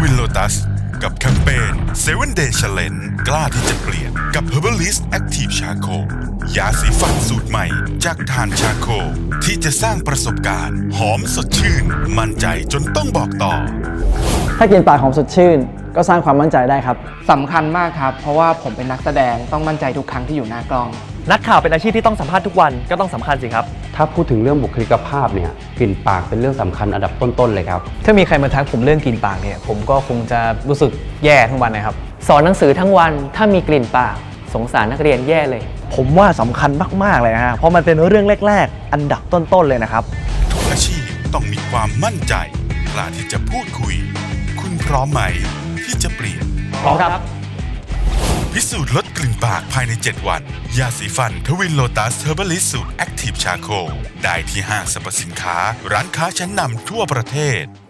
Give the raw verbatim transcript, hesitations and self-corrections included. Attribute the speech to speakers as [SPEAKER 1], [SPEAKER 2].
[SPEAKER 1] Twin Lotus กับแคมเปญ เซเว่น Day Challenge กล้าที่จะเปลี่ยนกับ Herbalist Active Charcoal ยาสีฟันสูตรใหม่จากถ่านชาโคลที่จะสร้างประสบการณ์หอมสดชื่นมั่นใจจนต้องบอกต่อ
[SPEAKER 2] ถ้ากลิ่นปากหอมสดชื่นก็สร้างความมั่นใจได้ครับ
[SPEAKER 3] สำคัญมากครับเพราะว่าผมเป็นนักแสดงต้องมั่นใจทุกครั้งที่อยู่หน้ากล้อง
[SPEAKER 4] นักข่าวเป็นอาชีพที่ต้องสัมภาษณ์ทุกวันก็ต้องสำคัญสิครับ
[SPEAKER 5] ถ้าพูดถึงเรื่องบุคลิกภาพเนี่ยกลิ่นปากเป็นเรื่องสำคัญอันดับต้นๆเลยครับ
[SPEAKER 2] ถ้ามีใครมาทักผมเรื่องกลิ่นปากเนี่ยผมก็คงจะรู้สึกแย่ทั้งวันนะครับ
[SPEAKER 6] สอนหนังสือทั้งวันถ้ามีกลิ่นปากสงสารนักเรียนแย่เลย
[SPEAKER 4] ผมว่าสำคัญมากๆเลยนะฮะเพราะมันเป็นเรื่องแรกๆอันดับต้นๆเลยนะครับ
[SPEAKER 1] ทุกอาชีพต้องมีความมั่นใจกล้าที่จะพูดคุยคุณพร้อมไหมที่จะเปลี่ยน
[SPEAKER 6] พร้อมครับ
[SPEAKER 1] พิสูจน์ลดกลิ่นปากภายในเจ็ดวันยาสีฟันทวินโลตัสเฮอร์บัลลิสสูตรแอคทีฟชาโคลได้ที่ห้างสรรพสินค้าร้านค้าชั้นนำทั่วประเทศ